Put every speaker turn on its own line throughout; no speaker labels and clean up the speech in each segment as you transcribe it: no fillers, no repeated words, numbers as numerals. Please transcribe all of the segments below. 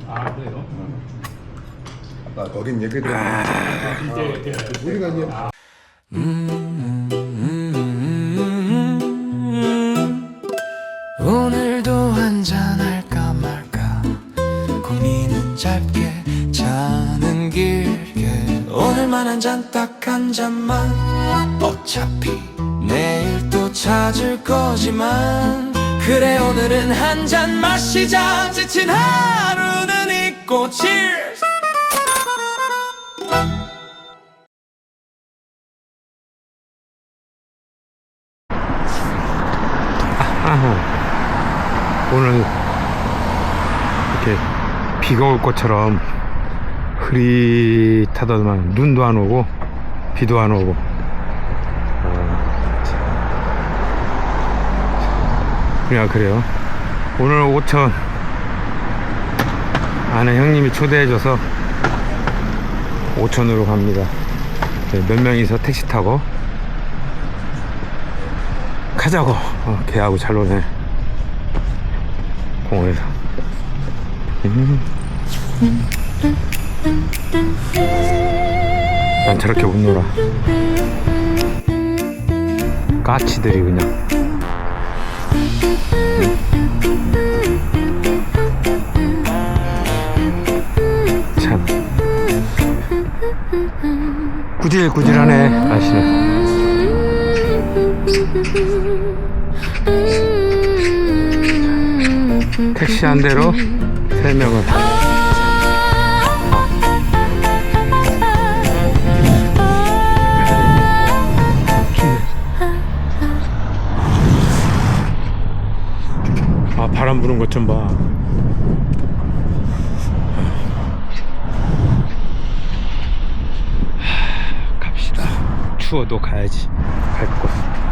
아, 그래요?
아까 어린 얘기 들었는데 우리가 이제
오늘도 한잔할까 말까 고민은 짧게 자는 길게 오늘만 한 잔 딱 한 잔만 어차피 내일 또 찾을 거지만 그래 오늘은 한 잔 마시자 지친 하루는 잊고 Cheers
오늘 이렇게 비가 올 것처럼 흐릿하더만 눈도 안 오고 비도 안 오고 그냥 그래요. 오늘 오천 아는 형님이 초대해줘서 오천으로 갑니다. 몇 명이서 택시 타고 가자고. 걔하고 잘 노네 공원에서. 난 저렇게 못 놀아. 까치들이 그냥. 참 구질구질하네 날씨는. 택시 한 대로 3명을. 아, 바람 부는 것 좀 봐. 갑시다. 추워도 가야지. 갈 곳.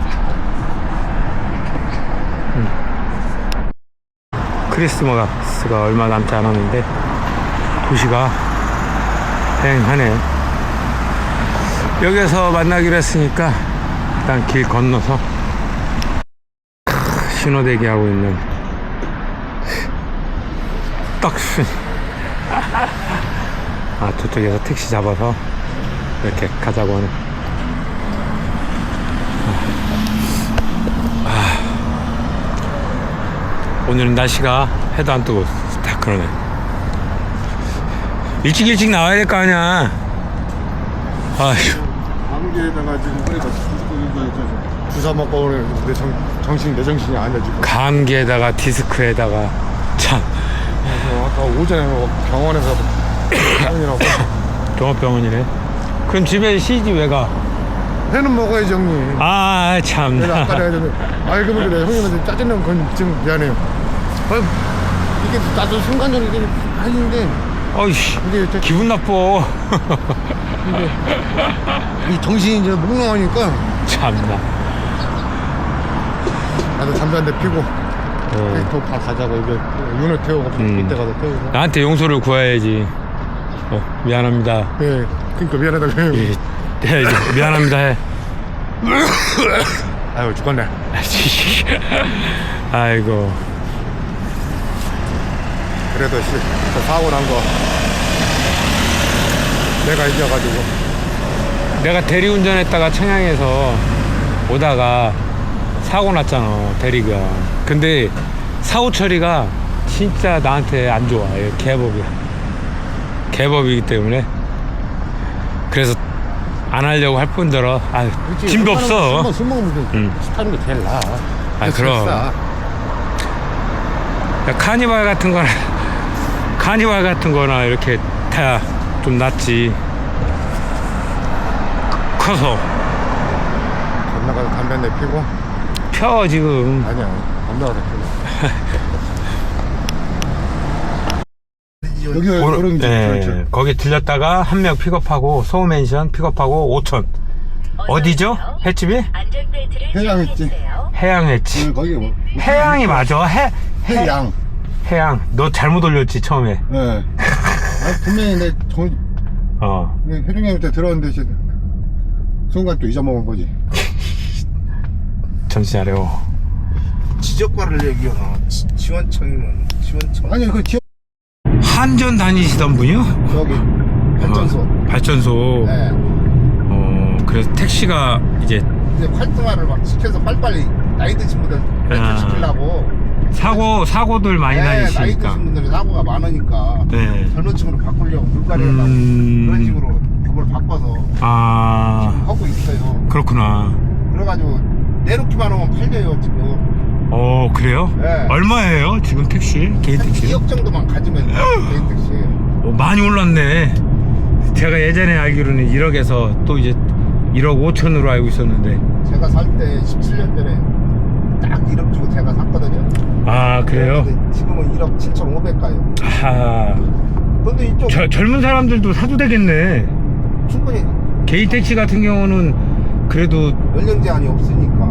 크리스마스가 얼마 남지 않았는데 도시가 휑하네요. 여기서 만나기로 했으니까 일단 길 건너서 신호대기 하고 있는 떡순. 아, 저쪽에서 택시 잡아서 이렇게 가자고 하네. 오늘은 날씨가 해도 안 뜨고 딱 그러네. 일찍 나와야 될 거 아니야. 아휴.
감기에다가 지금 주사 먹고 오늘 내 정신이 아니야 지금.
감기에다가 디스크에다가 참.
그래서 아까 오전에 병원에서 병원이라고.
종합병원이네. 그럼 집에 쉬지 왜 가?
회는 먹어야지 형님.
아, 참.
내가 아까 내가 그러면 그래 형님한테 짜증내는 건 좀 미안해요. 이게 나도 순간적으로 이게 하는데
어이씨,
이게
기분 나빠.
근데 이 정신이 이제 몽롱하니까
참나.
나도 담배 한 대 피고 또 다 가자고 이게 윤을 태우고 이때 가서 태우고.
나한테 용서를 구해야지. 미안합니다.
예, 그러니까 미안하다고 해요.
해야지. 미안합니다 해.
아유 죽겠네.
아이고.
그래도 저 사고 난 거 내가 이겨가지고.
내가 대리운전했다가 청양에서 오다가 사고 났잖아, 대리가. 근데 사고 처리가 진짜 나한테 안 좋아. 개법이야. 개법이기 때문에. 그래서 안 하려고 할 뿐더러 짐도 없어.
술 먹으면 타는 게 제일 나아.
아, 그럼. 야, 카니발 같은 거나 이렇게 타야 좀 낫지. 커서.
건너가서 담배 한 대 피고.
펴, 지금.
아니야, 건너가서 피고. 여기 그런 게 그렇죠.
거기 들렸다가 한 명 픽업하고 소맨션 픽업하고 5천. 어디죠? 횟집이?
해양 했지.
해양 횟집.
거기 뭐
해양이 맞아.
해양.
해양. 너 잘못 올렸지 처음에.
네. 분명히 내 회중님한테 들었는데 순간 또 잊어먹은 거지.
정신 차려.
지적과를 얘기하나 지원청이면 지원청.
아니 그 지역
한전 다니시던 분이요?
저기 발전소.
발전소.
네.
그래서 택시가 이제
이제 활동화를 막 시켜서 빨리빨리 나이 드신 분들
아.
시키려고.
사고들 많이
네, 나이
나시니까.
드신 분들이 사고가 많으니까
네.
젊은 층으로 바꾸려고 물갈이 하려고 그런 식으로 법을 바꿔서
아,
하고 있어요.
그렇구나.
그래가지고 내놓기만 하면 팔려요 지금.
그래요?
네.
얼마예요? 지금 택시? 개인
한
택시?
2억 정도만 가지면 개인 택시.
많이 올랐네. 제가 예전에 알기로는 1억에서 또 이제 1억 5천으로 알고 있었는데.
제가 살 때 17년 전에 딱 1억 주고 제가 샀거든요.
아, 그래요?
근데 지금은 1억 7,500 가요.
아,
근데 이쪽
젊은 사람들도 사도 되겠네.
충분히
개인 택시 같은 경우는 그래도.
연령 제한이 없으니까.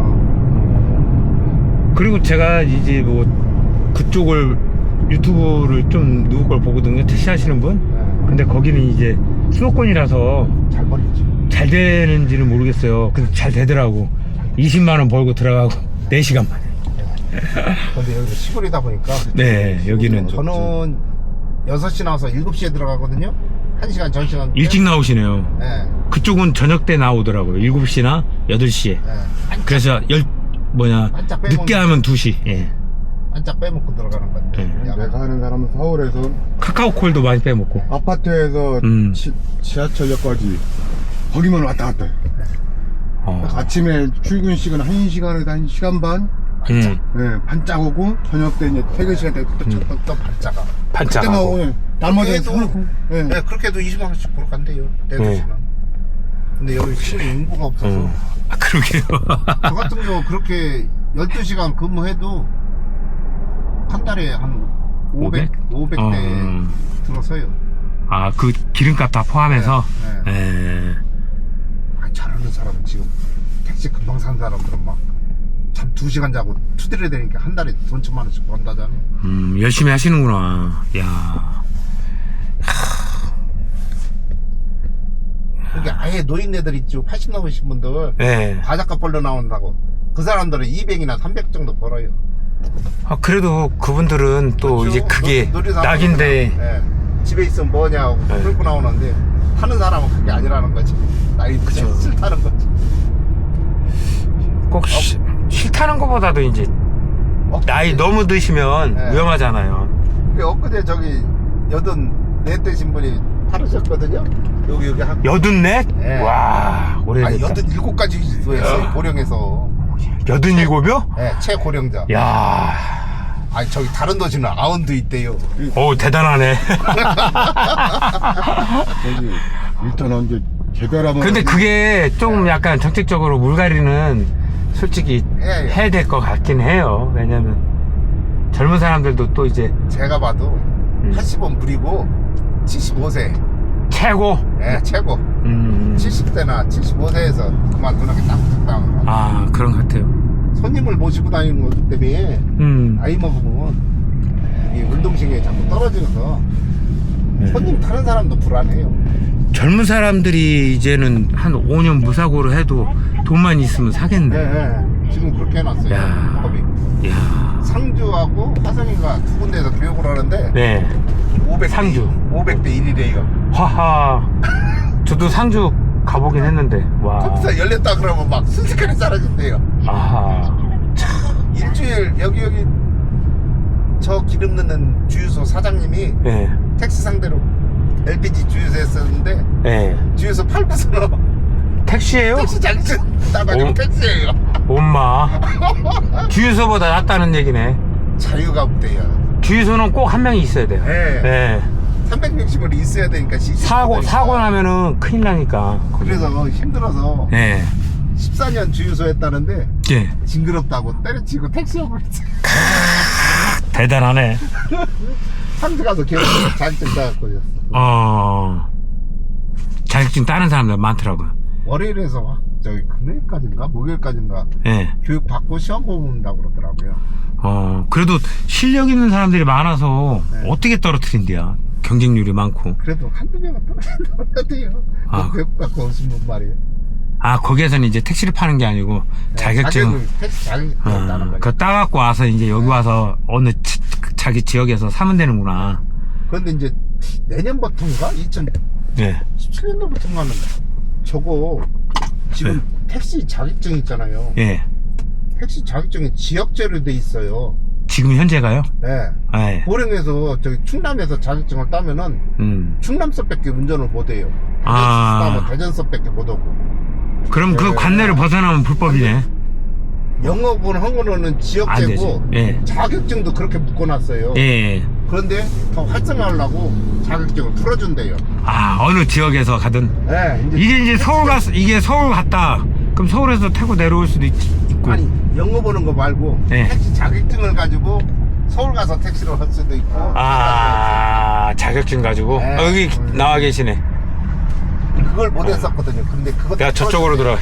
그리고 제가 이제 뭐 그쪽을 유튜브를 좀 누구 걸 보거든요. 택시 하시는 분.
네,
근데 거기는 이제 수도권이라서
잘 벌리지.
잘 되는지는 모르겠어요. 근데 잘 되더라고. 20만 원 벌고 들어가고 4시간 만에.
근데 여기서 시골이다 보니까.
네, 여기는
저는 6시 나와서 7시에 들어가거든요. 1시간 전시간.
일찍 나오시네요.
네.
그쪽은 저녁 때 나오더라고요. 7시나 8시에.
네.
그래서
반짝 빼먹는
늦게 하면 2시. 예.
반짝 빼먹고 들어가는 건데.
네.
야간.
내가 하는 사람은 서울에서
카카오콜도 많이 빼먹고.
아파트에서 지하철역까지 거기만 왔다 갔다 해. 아침에 출근 시간 1시간에서 1시간 반. 네, 반짝 오고 저녁 때 이제 퇴근 시간 때
또 반짝아.
그때만
반짝하고.
오면 날마다
그래도
사놓고. 네.
네, 그렇게 해도 20만 원씩 보러 간대요. 대도시는. 근데 여기 시골에 인구가 없어서.
아, 그러게요.
저 같은 경우 그렇게 12시간 근무해도 한 달에 한 500대 들어서요.
아, 그 기름값 다 포함해서.
네,
예.
잘하는 사람은 지금 택시 금방 산 사람들은 막 잠 2시간 자고 투드려야 되니까 한 달에 돈 1,000만 원씩 번다잖아요.
열심히 하시는구나. 야.
그게 아예 노인네들 있죠. 80 넘으신 분들
예.
바닷가 벌러 나온다고. 그 사람들은 200이나 300 정도 벌어요.
아, 그래도 그분들은 또
그렇죠.
이제 그게
놀이사무소나,
낙인데.
예. 집에 있으면 뭐냐고
네.
끌고 나오는데 하는 사람은 그게 아니라는 거지. 나이
그쵸.
싫다는 거지.
꼭 싫다는 것보다도 이제 나이 너무 드시면
네.
위험하잖아요.
엊그제 저기 84 되신 분이 타르셨거든요. 여기 한
84?
네.
와,
아니
오래됐다.
87까지 했어요. 고령에서.
87이요?
네, 최고령자.
야.
아니 저기 다른 도시는 아운드 있대요.
오, 대단하네.
저기 일단은 이제 제대로하면.
근데 그게 좀 약간 정책적으로 물갈이는 솔직히
예, 예.
해야 될 것 같긴 해요. 왜냐면 젊은 사람들도 또 이제
제가 봐도 80원 부리고 75세.
최고.
예, 최고. 70대나 75세에서 그만두는 게 딱 적당한 거.
아, 그런 것 같아요.
손님을 모시고 다니는 것 때문에 나이 먹으면 이 운동신경이 자꾸 떨어져서 손님 타는 사람도 불안해요.
젊은 사람들이 이제는 한 5년 무사고로 해도 돈만 있으면 사겠네.
네, 지금 그렇게 해놨어요.
야.
법이.
야.
상주하고 화성이가 두 군데에서 교육을 하는데
네.
500대
상주.
500대 1이래요.
하하. 저도 상주 가보긴 했는데. 와.
컴퓨터 열렸다 그러면 막 순식간에 사라진대요.
아하.
일주일 여기 저 기름 넣는 주유소 사장님이
네.
택시 상대로 LPG 주유소 했었는데
네.
주유소 팔고서
택시예요?
택시 장치 따가지고
오.
택시예요.
엄마. 주유소보다 낫다는 얘기네.
자유가 없대요.
주유소는 꼭 한 명이 있어야 돼요.
네.
네.
360을 있어야 되니까
사고 나면은 큰일 나니까.
그래서 힘들어서
네.
14년 주유소 했다는데
예.
징그럽다고 때려치고 택시업을 했어요.
대단하네.
상주 가서 계속 자격증 따갖고
자격증 따는 사람들 많더라고요.
월요일에서 저기 금요일까지인가 목요일까지인가
예.
교육 받고 시험 본다고 그러더라고요.
그래도 실력 있는 사람들이 많아서
네.
어떻게 떨어뜨린대요. 경쟁률이 많고.
그래도 한두 명은 떨어진다고 해야
아.
교육 받고 오신 분 말이에요.
아, 거기에서는 이제 택시를 파는 게 아니고 자격증.
택시 자격증 따는 거죠.
그거 따갖고 와서 이제 여기 와서 어느 자기 지역에서 사면 되는구나.
그런데 이제 내년부터인가? 2017년도부터인가는 저거 지금 택시 자격증 있잖아요.
예.
택시 자격증이 지역제로 돼 있어요.
지금 현재가요?
네.
아, 예.
고령에서 저기 충남에서 자격증을 따면은 충남서밖에 운전을 못해요.
아.
대전서밖에 못하고.
그럼 그 관내를 벗어나면 불법이네.
영업은 한 거는
안
지역제고
되지. 예.
자격증도 그렇게 묶어놨어요.
예.
그런데 더 활성화하려고 자격증을 풀어준대요.
아, 어느 지역에서 가든.
네,
이게 서울 이게 서울 갔다. 그럼 서울에서 타고 내려올 수도 있고.
아니 영업 오는 거 말고
네.
택시 자격증을 가지고 서울 가서 택시를 할 수도 있고.
아, 자격증 가지고.
네.
여기 나와 계시네.
그걸 못 했었거든요. 근데 그것
내가 저쪽으로 들어가.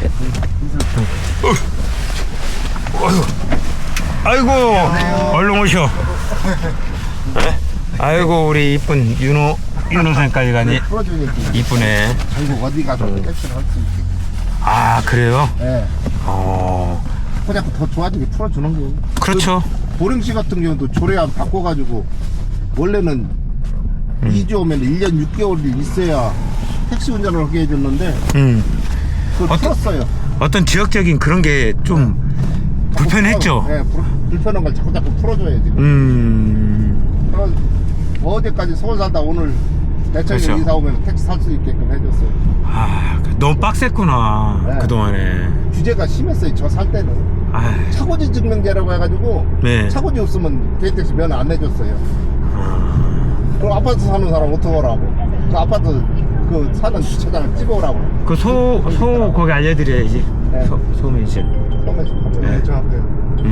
아이고, 얼른 오셔. 네? 아이고, 우리 이쁜 윤호 선생까지 가니
풀어주니까
이쁘네.
전국 어디 가서 택시를 할 수 있게.
아, 그래요?
네. 그냥 더 좋아지게 풀어주는 거예요.
그렇죠.
보령시 같은 경우도 조례안 바꿔가지고 원래는 2주 오면 1년 6개월이 있어야 택시 운전을 하게 해줬는데 그걸 풀었어요.
어떤 지역적인 그런 게 좀 불편했죠?
네, 불편한 걸 자꾸 풀어줘야 지금. 어제까지 서울 살다 오늘 대천에
그렇죠.
이사 오면 택시 살 수 있게끔 해줬어요.
아, 너무 빡셌구나.
네.
그동안에.
규제가 심했어요. 저 살 때는.
아,
차고지 증명제라고 해가지고
네.
차고지 없으면 개인택시 면허 안 내줬어요. 그럼 아파트 사는 사람 어떻게 하라고? 그 아파트 그 사는 주차장을 찍어오라고.
그 소 거기 알려드려야지.
네.
소매실.
네, 저 앞에.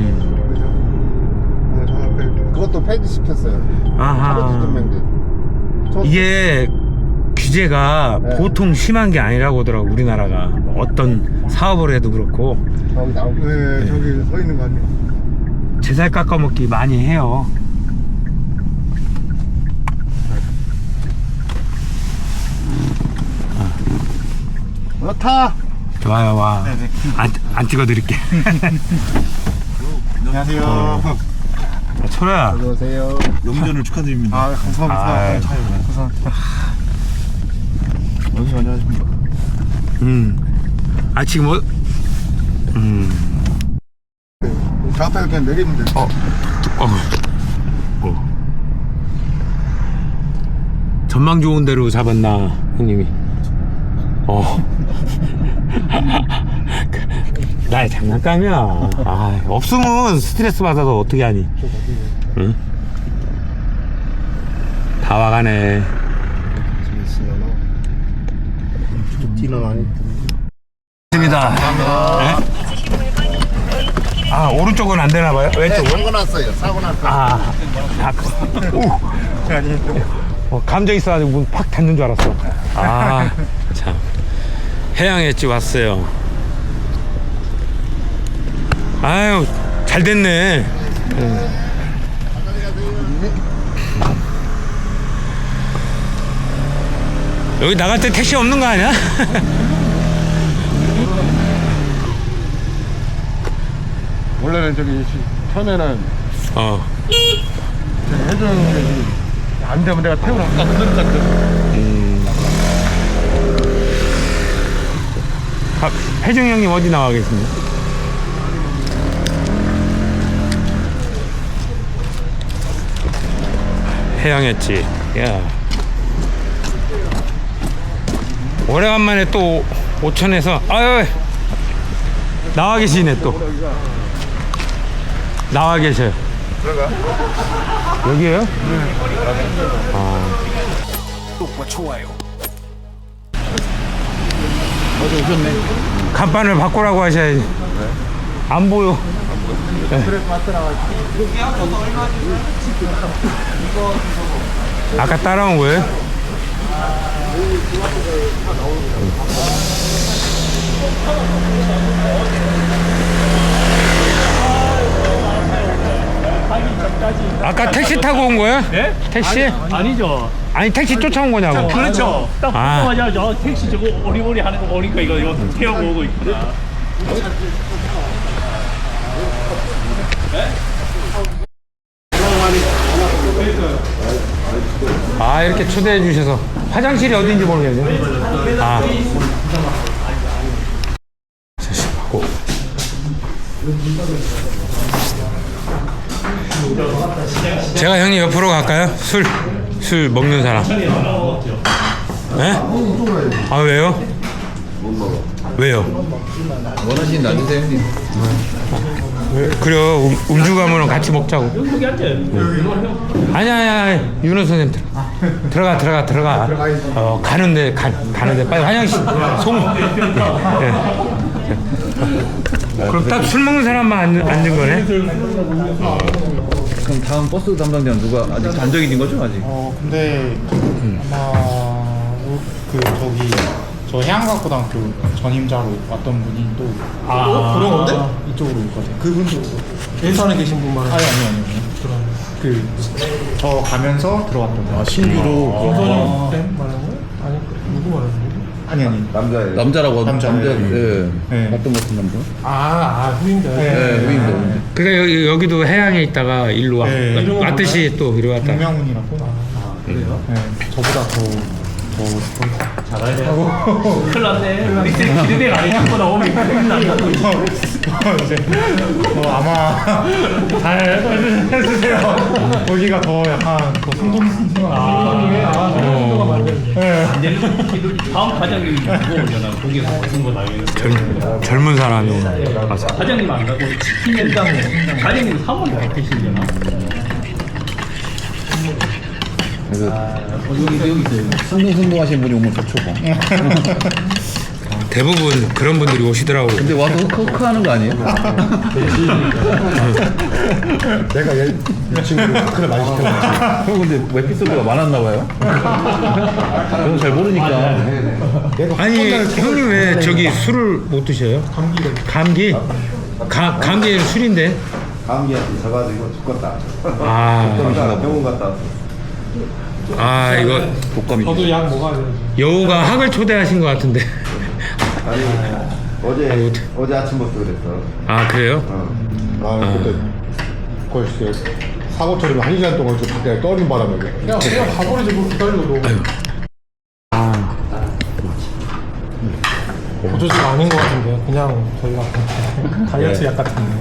네, 저 앞에. 그것도 폐지시켰어요.
아하.
차고지 증명제.
이게 규제가
네.
보통 심한 게 아니라고 하더라고, 우리나라가. 어떤 사업을 해도 그렇고.
저기 나오고.
네, 저기 서 있는 거 아니에요?
제살 깎아먹기 많이 해요.
그렇다.
좋아요, 와. 안 찍어드릴게.
안녕하세요.
철호야.
안녕하세요.
용전을 축하드립니다.
아, 감사합니다.
아유.
감사합니다. 여기 안녕하십니까.
아, 지금 뭐,
저 앞에서 그냥 내리면 돼요.
전망 좋은 데로 잡았나, 형님이. 나의 장난감이야. 아, 없으면 스트레스 받아서 어떻게 하니? 응? 다 와가네.
뒤는 아니.
있습니다. 네? 아, 오른쪽은 안 되나 봐요? 왼쪽은?
사고 났어요. 사고 났어요.
아, 감정 있어가지고 문 팍 닫는 줄 알았어. 아, 참. 해양 횟집 왔어요. 아유, 잘 됐네. 여기 나갈 때 택시 없는 거 아니야?
원래는 저기 처음에는 해주는 안 되면 내가 태우러 갔거든.
혜정 형님 어디 나와 계십니까? 해양했지. 야. 오래간만에 또 오천에서 아유 나와 계시네 또. 나와 계셔요. 여기에요? 네.
어제 오셨네.
간판을 바꾸라고 하셔야지. 안 보여.
그래서 맞더라가지고.
아까 따라온 거예요? 아까 택시 타고 온 거야?
네?
택시?
아니죠.
아니 택시 쫓아온 거냐고.
그렇죠. 딱
아.
보자마자 저 택시 저거 오리오리 하는 거 오니까 이거 태우고 오고 있구나.
아, 이렇게 초대해 주셔서. 화장실이 어딘지 모르겠네. 아. 하고. 제가 형님 옆으로 갈까요? 술 먹는 사람. 네? 아, 왜요? 왜요?
원하시는 안 드세요, 형님?
그래요. 음주 가면은 같이 먹자고.
여기 앉아요.
아니야. 윤호 선생님 들어가. 가는데 빨리 화장실 예. 그럼 딱 술 먹는 사람만 앉은 거네?
그럼 다음 버스 담당자는 누가 아직 단정해진 거죠, 아직?
근데 아마 저기 저 해안과고등학교 전임자로 왔던 분이 또 그런 건데? 이쪽으로 올 거죠. 그분도
일산에 계신 분 말하는
아니요. 저 가면서 들어왔던 분.
신규로
김선영 쌤 말하는 거예요? 아니 누구 말하는 거예요?
아니.
남자라고
남자.
예.
네.
어떤 같은 남자?
후임자.
네, 후임자.
그러니까 여기도 해양에 있다가 일로 왔듯이 또 이리 왔다.
김명훈이라고.
그래요?
네. 저보다 더
잘해야 돼. 큰일 났네. 우리 기대가 아니 자꾸 나오면 큰일 난다.
이제 아마 잘 해주세요. 거기가 더 약간 더
성동가 만드는
안 되는 다음 과장님이 누구오려나 거기서 무슨 거 나요.
젊은 사람이 맞아.
과장님 안 가고 치킨 된다고 과장님 사모님 어떻게 시려나?
그래서 승동하신 분이 오면 좋죠, 뭐.
대부분 그런 분들이 오시더라고.
근데 와서 흑하는 거 아니에요?
내가 이 친구를 마크를 많이 시켜놨지.
형 근데 에피소드가 많았나 봐요? 저는 잘 모르니까.
아니 형님 왜 저기 술을 못 드셔요? 감기? 감기는 술인데.
감기한테 져가지고 죽겠다. 병원 갔다 왔어.
이거
독감이.
저도 약 먹어야 돼요.
여우가 학을 초대하신 것 같은데.
아니 어제 아침부터 그랬어.
아, 그래요?
그때 거의 사고 처리면 1시간 동안 좀 밖에 떠는 바람에
그냥 가버리지 뭘 기다려도. 보조제가 아닌 것 같은데 그냥 저희가 다이어트 약 같은데.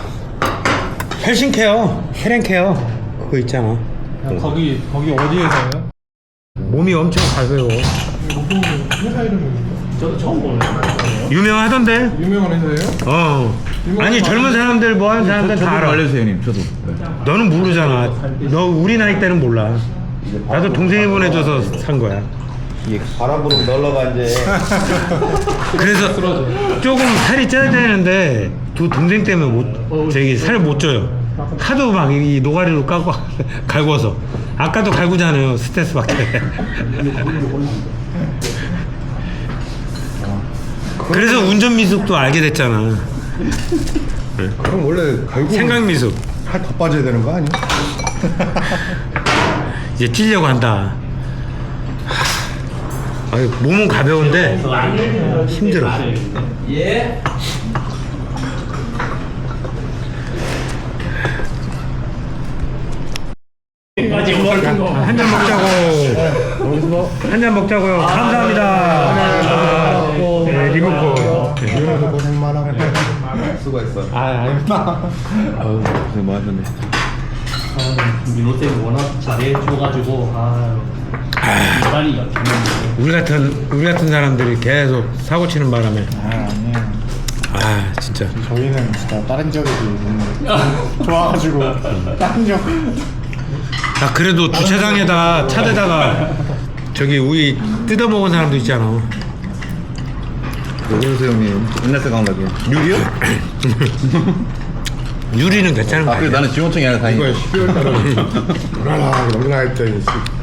헬싱케어, 헬렌케어 그거 있잖아.
그냥 거기 어디에서요?
몸이 엄청 가벼워.
목표는 회사 이름입니까?
저도 처음 보는 거예요.
유명하던데?
유명한 회사예요?
아니 젊은 사람들 뭐 하는 사람들 다 알아.
알려주세요, 형님. 저도.
너는 모르잖아. 너 우리 나이 때는 몰라. 나도 동생이 보내줘서 산 거야.
바람 불고 놀러가 이제.
그래서 조금 살이 쪄야 되는데 두 동생 때문에 살을 못 쪄요. 하도 막 이 노가리로 갈궈서. 아까도 갈구잖아요. 스트레스 받게. 그래서 운전 미숙도 알게 됐잖아.
그럼 원래 결국
생각 미숙.
살 더 빠져야 되는 거 아니야?
이제 찌려고 한다. 몸은 가벼운데 힘들어. 한 잔 먹자고. 한 잔 먹자고요. 감사합니다. 리모컨.
이러면서 고생 많아.
수고했어.
고생 많으셨네.
민호 쌤이 워낙 잘해줘가지고 많이
우리 같은 사람들이 계속 사고 치는 바람에.
아니에요.
진짜.
저희는 진짜 다른 지역에도 너무 좋아가지고 다른 지역.
그래도 주차장에다 차대다가 저기 우리 뜯어먹은 사람도 있잖아.
왜 그러세요, 형님? 옛날 생각나게. 유리요?
유리는 괜찮은 거
그래,
아니야?
나는 지원청이 아니라 다행이다.
이거 12월달에 무난하게 넘나할 때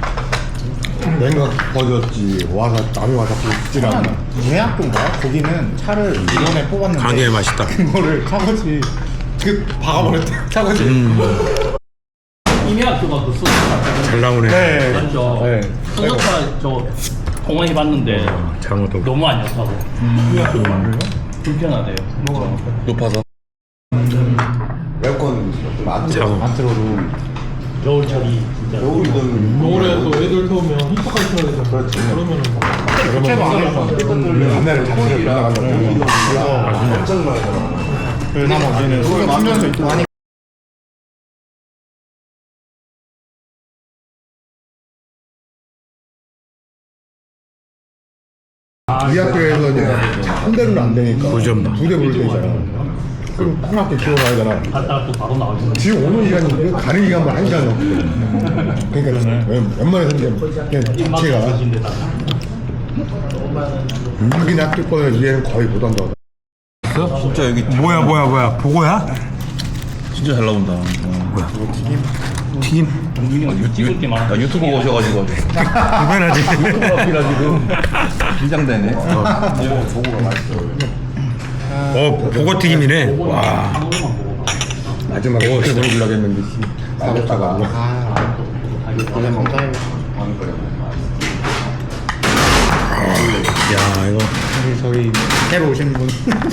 냉각 버졌지. 와서 남이 와서 붙질 않아.
예약인가? 거기는 차를 이번에 뽑았는데
강의 맛있다.
그거를 차고지 박아버렸대. 차고지.
이미 학교가 그 수업
잘 나오네.
네.
맞죠?
네.
소속차 저 공원 해봤는데
장어도.
너무 안 좋다고. 불편하대요.
높아서.
에어컨 좀 안 들어.
장어.
안 틀어도
겨울철이
겨울에 또 애들 태우면 히터까지 태워야 되잖아. 그렇지. 그러면은
교체도 안 해서
옛날에 자체를 올라간다고.
그나마 얘는 수요 충전도 있고 하니까.
우리 학교에서 이제 한 대는 안 되니까 두 대 부를 때잖아. 그럼 큰 학교 키워가야 되나?
갔다가 또 바로 나오죠.
지금 오는 시간이 가는 시간만 1시간 넘거든. 그러니까 웬만해서 그냥 자체가 하긴 학교 거는 얘는 거의 못 한다고.
진짜 여기
뭐야 보고야?
진짜 잘 나온다.
튀김?
찍을 게 많아.
나 유튜브 오셔가지고
불편하지.
유튜브 앞이라 지금 긴장되네.
보고 튀김이네. 와.
마지막에 그렇게 보여주려고 했는데 나갔다가
원래 먹자면
야 이거
저희 새로 오신 분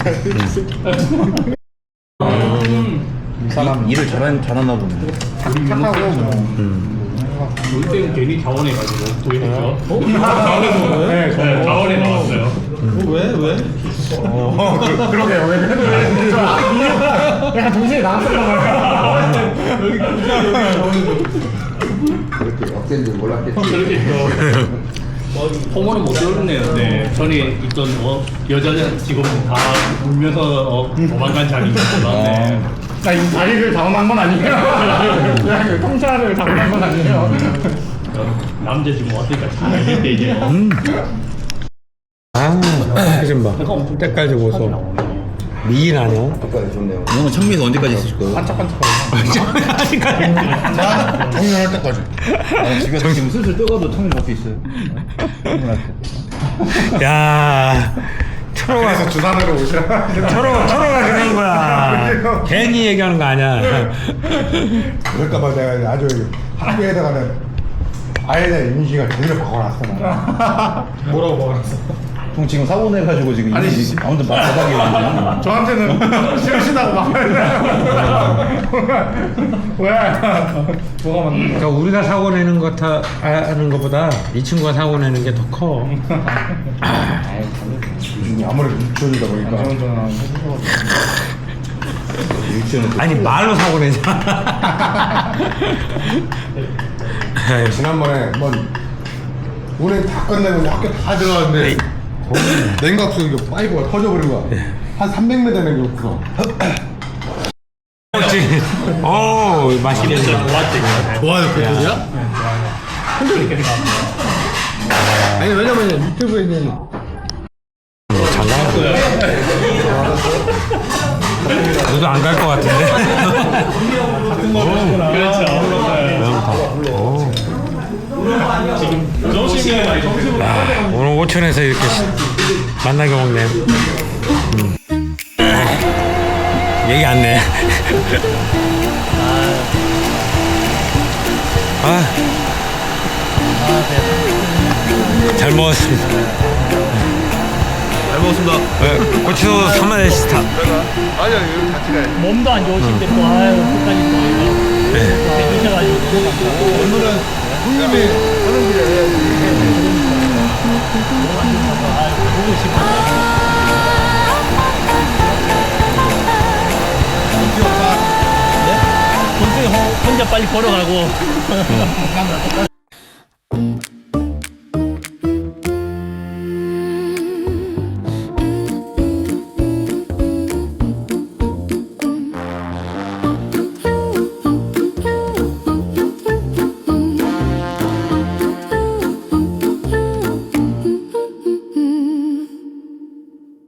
사람 일을 잘하나 보네.
착하고
우리 때는 괜히 자원해가지고 보게 됐죠.
자원에서 온 거예요?
네, 자원에 나왔어요.
왜?
그러게요. 왜 약간 동시에 나왔었나 봐요.
그렇게 어땠는지 몰랐겠지.
호모는 못 들었네요. 네, 전에 있던 여자 직원분 다 울면서 도망간 자리 있었네.
나 이 자리를 당한 건 아니에요. 그냥 그 통찰을 당한 건 아니에요.
남자 지금 왔으니까 잘 알겠대 이제.
좀 봐. 때깔 좋고서 미인 아니야?
오늘 창민이 언제까지 있으실 거예요?
정년할 때까지.
집에 지금 슬슬 떠가도 창민 밖에 있어요.
야
그래서 주산으로 오시라.
철호가 그런 거야. 괜히 얘기하는 거 아니야.
그럴까봐 내가 아주 학교에다가는 아예 내 인식을 제대로 바꿔놨어.
뭐라고 먹었어?
형 지금 사고 내가지고 지금
아니,
아무튼 바닥에 있는데.
저한테는 싫으시다고 막. 왜? 뭐가 맞는 거야?
그러니까 우리가 사고 내는 것 하는 것보다 이 친구가 사고 내는 게 더 커.
아무래도 유치원이다 보니까.
아니 말로 사고 내잖아.
지난번에 한번 운행 다 끝내고 이제 학교 다 들어갔는데 냉각수 이거 파이브가 터져버린 거야. 한 300m 냉각수가.
그렇지. 오 맛있네.
좋아요, 그 소리야? 아니 왜냐면 유튜브에 있는
잘 나왔어. 너도 안 갈 것 같은데. 오늘 오천에서 이렇게 만나게 먹네. 얘기 안 내. 잘 먹었습니다.
잘 먹었습니다.
고치소 3만원 스타.
몸도 안 좋으신데 또 아유 끝까지 또 이거 해주셔가지고
오늘은 형님이 하는 길에
보고 싶어요. 혼자 빨리 걸어가고